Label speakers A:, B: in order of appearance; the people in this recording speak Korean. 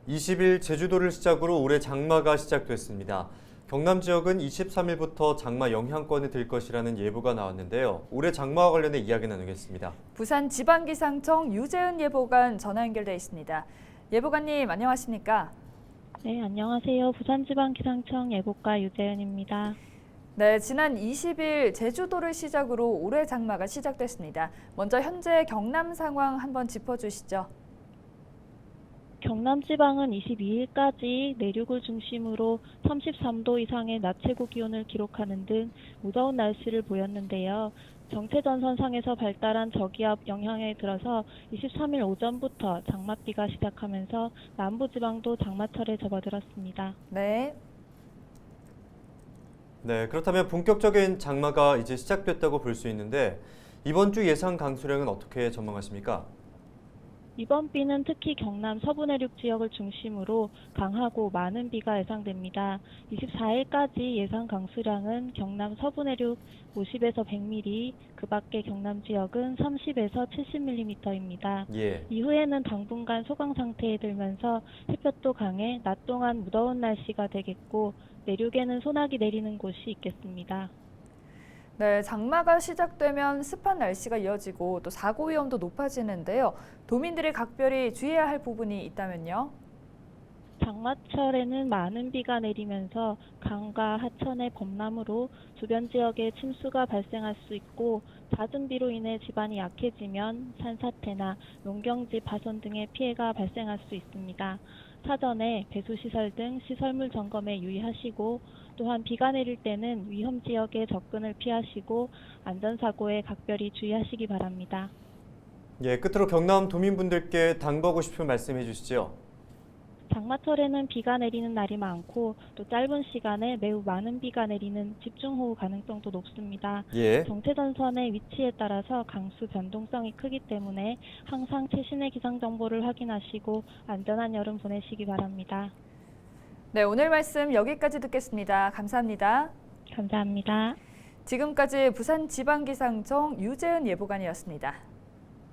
A: 20일 제주도를 시작으로 올해 장마가 시작됐습니다. 경남 지역은 23일부터 장마 영향권에 들 것이라는 예보가 나왔는데요. 올해 장마와 관련해 이야기 나누겠습니다.
B: 부산 지방기상청 유재은 예보관 전화 연결돼 있습니다. 예보관님 안녕하십니까?
C: 네, 안녕하세요. 부산지방기상청 예보과 유재은입니다.
B: 네, 지난 20일 제주도를 시작으로 올해 장마가 시작됐습니다. 먼저 현재 경남 상황 한번 짚어주시죠.
C: 경남 지방은 22일까지 내륙을 중심으로 33도 이상의 낮 최고 기온을 기록하는 등 무더운 날씨를 보였는데요. 정체전선상에서 발달한 저기압 영향에 들어서 23일 오전부터 장맛비가 시작하면서 남부지방도 장마철에 접어들었습니다.
B: 네.
A: 네, 그렇다면 본격적인 장마가 이제 시작됐다고 볼 수 있는데 이번 주 예상 강수량은 어떻게 전망하십니까?
C: 이번 비는 특히 경남 서부 내륙 지역을 중심으로 강하고 많은 비가 예상됩니다. 24일까지 예상 강수량은 경남 서부 내륙 50에서 100mm, 그 밖의 경남 지역은 30에서 70mm입니다.
A: 예.
C: 이후에는 당분간 소강 상태에 들면서 햇볕도 강해 낮 동안 무더운 날씨가 되겠고 내륙에는 소나기 내리는 곳이 있겠습니다.
B: 네, 장마가 시작되면 습한 날씨가 이어지고 또 사고 위험도 높아지는데요. 도민들이 각별히 주의해야 할 부분이 있다면요?
C: 장마철에는 많은 비가 내리면서 강과 하천의 범람으로 주변 지역에 침수가 발생할 수 있고 잦은 비로 인해 지반이 약해지면 산사태나 농경지 파손 등의 피해가 발생할 수 있습니다. 사전에 배수시설 등 시설물 점검에 유의하시고 또한 비가 내릴 때는 위험 지역에 접근을 피하시고 안전사고에 각별히 주의하시기 바랍니다.
A: 예, 끝으로 경남 도민분들께 당부하고 싶은 말씀 해주시죠.
C: 장마철에는 비가 내리는 날이 많고 또 짧은 시간에 매우 많은 비가 내리는 집중호우 가능성도 높습니다.
A: 예.
C: 정체전선의 위치에 따라서 강수 변동성이 크기 때문에 항상 최신의 기상정보를 확인하시고 안전한 여름 보내시기 바랍니다.
B: 네, 오늘 말씀 여기까지 듣겠습니다. 감사합니다.
C: 감사합니다.
B: 지금까지 부산지방기상청 유재은 예보관이었습니다.